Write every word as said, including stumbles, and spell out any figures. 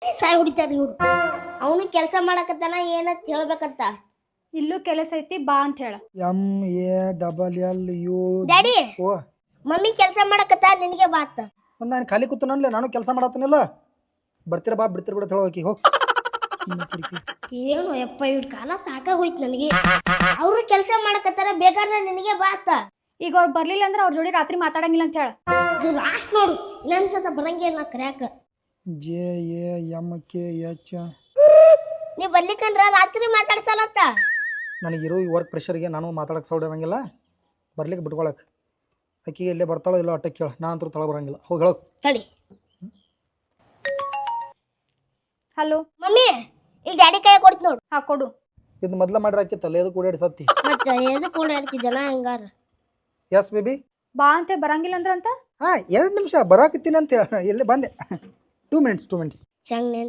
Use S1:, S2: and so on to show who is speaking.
S1: ಸಾಯ್ ಹೊಡಿತಾರ ಇವ್ರು. ಅವನು ಕೆಲಸ ಮಾಡಕತ್ತಾನ ಏನಂತ ಹೇಳ್ಬೇಕಂತ.
S2: ಇಲ್ಲೂ ಕೆಲಸ ಐತಿ ಬಾ ಅಂತ ಹೇಳ.
S3: M A double L U
S1: daddy
S3: ಓ
S1: ಮಮ್ಮಿ ಕೆಲಸ ಮಾಡಕತ್ತ ನಿನಗೆ ಬಾತ.
S3: ಒಂದು ನಾನು ಖಾಲಿ ಕೂತನಲ್ಲ ನಾನು ಕೆಲಸ ಮಾಡತ್ತನಿಲ್ಲ ಬರ್ತೀರ ಬಾ ಬಿಡ್ತೀರ ಬಿಡ ಹೇಳೋಕಿ ಹೋಗಿ
S1: ಏನು ಯಪ್ಪ ಇವ್ರ ಕಾಲ ಸಾಕಾಗೋಯ್ತು ನನಗೆ. ಅವ್ರು ಕೆಲಸ ಮಾಡಕತ್ತಾರ ಬೇಕಾದ್ರೆ ನಿನಗೆ ಬಾತ.
S2: ಈಗ ಅವ್ರು ಬರ್ಲಿಲ್ಲ ಅಂದ್ರೆ ಅವ್ರ ಜೋಡಿ ರಾತ್ರಿ ಮಾತಾಡಂಗಿಲ್ಲ ಅಂತ ಹೇಳ.
S1: ಇದು ಲಾಸ್ಟ್ ನೋಡು ಇನ್ನೊಂದ್ಸತ ಬರಂಗಿಲ್ಲ ನಾ ಕರ್ಯಾಕ.
S3: J A M K H
S1: ನೀ ಬರ್ಲಿಕ್ಕಂದ್ರ ರಾತ್ರಿ ಮಾತಾಡ್ಸಲತ್ತ.
S3: ನನಗಿರೋ ಈ ವರ್ಕ್ ಪ್ರೆಷರ್ಗೆ ನಾನು ಮಾತಾಡಕ್ಕೆ ಸೌಡ್ ಇರಂಗಿಲ್ಲ ಬರ್ಲಿಕ್ಕೆ ಬಿಟ್ಕೊಳಕ್ಕೆ ಆಕಿಗೆ ಇಲ್ಲೇ ಬರ್ತಾಳೋ ಇಲ್ಲ ಅಟ್ಟಕ್ಕೆ ಕೇಳ ನಾ ಅಂತೂ ತಳ ಬರಂಗಿಲ್ಲ ಹೋಗಿ ಹೇಳೋಕೆ
S1: ತಡಿ.
S2: ಹಲೋ
S1: ಮಮ್ಮಿ ಇಲ್ಲಿ ಡ್ಯಾಡಿ ಕೈ ಕೊಡ್ತು ನೋಡು.
S2: ಹಾ ಕೊಡು.
S3: ಇದು ಮೊದಲ ಮಾಡ್ರಿ ಆಕಿತ್ತಲ್ಲ ಎದಕ್ಕೆ ಓಡಾಡಿ ಸತ್ತಿ
S1: ಮತ್ತೆ ಎದಕ್ಕೆ ಓಡಾಡ್ತಿದ್ದನ ಹಂಗಾರ.
S3: ಎಸ್ ಬೇಬಿ
S2: ಬಾ ಅಂತೆ ಬರಂಗಿಲ್ಲ ಅಂದ್ರ ಅಂತ.
S3: ಹಾಂ ಎರಡು ನಿಮಿಷ ಬರಾಕತ್ತೀನಿ ಅಂತ ಎಲ್ಲಿ ಬಂದೆ ಟೂ ಮಿನಿಟ್ಸ್ ಟೂ ಮಿನಿಟ್ಸ್
S1: ಚಂಗ್